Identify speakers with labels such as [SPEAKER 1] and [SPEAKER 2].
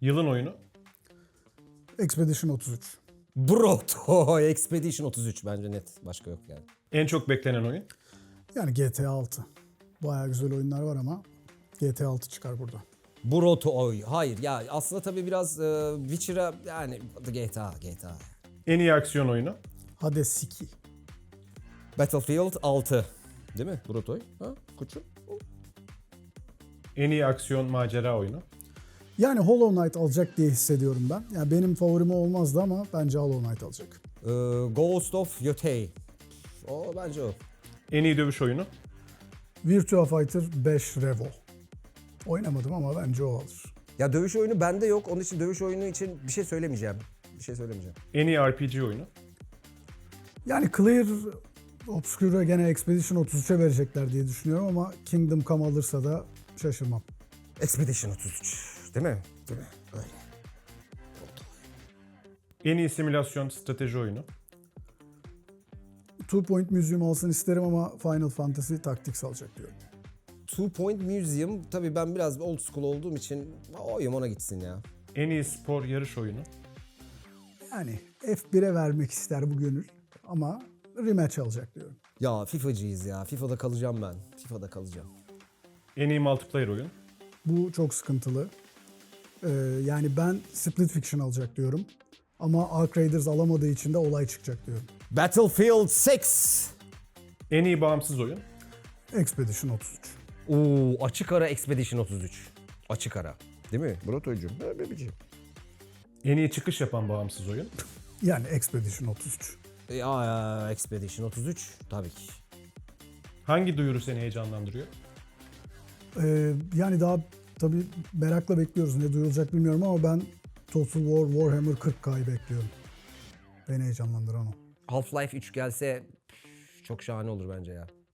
[SPEAKER 1] Yılın oyunu.
[SPEAKER 2] Expedition 33.
[SPEAKER 3] Broto Expedition 33 bence net. Başka yok yani.
[SPEAKER 1] En çok beklenen oyun.
[SPEAKER 2] Yani GTA 6. Bayağı güzel oyunlar var ama GTA 6 çıkar burada.
[SPEAKER 3] Broto hayır ya aslında tabii biraz Witcher'a yani GTA.
[SPEAKER 1] En iyi aksiyon oyunu.
[SPEAKER 2] Hades 2.
[SPEAKER 3] Battlefield 6. Değil mi Brotoy? Ha koçum.
[SPEAKER 1] En iyi aksiyon macera oyunu.
[SPEAKER 2] Yani Hollow Knight alacak diye hissediyorum ben. Yani benim favorim olmazdı ama bence Hollow Knight alacak.
[SPEAKER 3] Ghost of Yotei. O bence o.
[SPEAKER 1] En iyi dövüş oyunu.
[SPEAKER 2] Virtua Fighter 5 Revo. Oynamadım ama bence o alır.
[SPEAKER 3] Ya dövüş oyunu bende yok. Onun için dövüş oyunu için bir şey söylemeyeceğim.
[SPEAKER 1] En iyi RPG oyunu.
[SPEAKER 2] Yani Clear Obscure'a gene Expedition 33'e verecekler diye düşünüyorum ama Kingdom Come alırsa da şaşırmam.
[SPEAKER 3] Expedition 33. Değil mi? Öyle.
[SPEAKER 1] En iyi simülasyon strateji oyunu.
[SPEAKER 2] Two Point Museum alsın isterim ama Final Fantasy Tactics alacak diyorum.
[SPEAKER 3] Two Point Museum tabii ben biraz old school olduğum için oyum ona gitsin ya.
[SPEAKER 1] En iyi spor yarış oyunu.
[SPEAKER 2] Yani F1'e vermek ister bu gönül ama rematch alacak diyorum.
[SPEAKER 3] Ya FIFA'cıyız ya. FIFA'da kalacağım ben.
[SPEAKER 1] En iyi multiplayer oyun.
[SPEAKER 2] Bu çok sıkıntılı. Yani ben Split Fiction alacak diyorum. Ama Ark Raiders alamadığı için de olay çıkacak diyorum.
[SPEAKER 3] Battlefield 6.
[SPEAKER 1] En iyi bağımsız oyun.
[SPEAKER 2] Expedition 33.
[SPEAKER 3] Açık ara Expedition 33. Açık ara. Değil mi? Brotoycum. Bebeciğim.
[SPEAKER 1] En iyi çıkış yapan bağımsız oyun.
[SPEAKER 2] Yani Expedition 33.
[SPEAKER 3] Expedition 33 tabii ki.
[SPEAKER 1] Hangi duyuru seni heyecanlandırıyor?
[SPEAKER 2] Yani daha tabii merakla bekliyoruz. Ne duyulacak bilmiyorum ama ben Total War Warhammer 40K'yı bekliyorum. Beni heyecanlandıran o.
[SPEAKER 3] Half-Life 3 gelse çok şahane olur bence ya.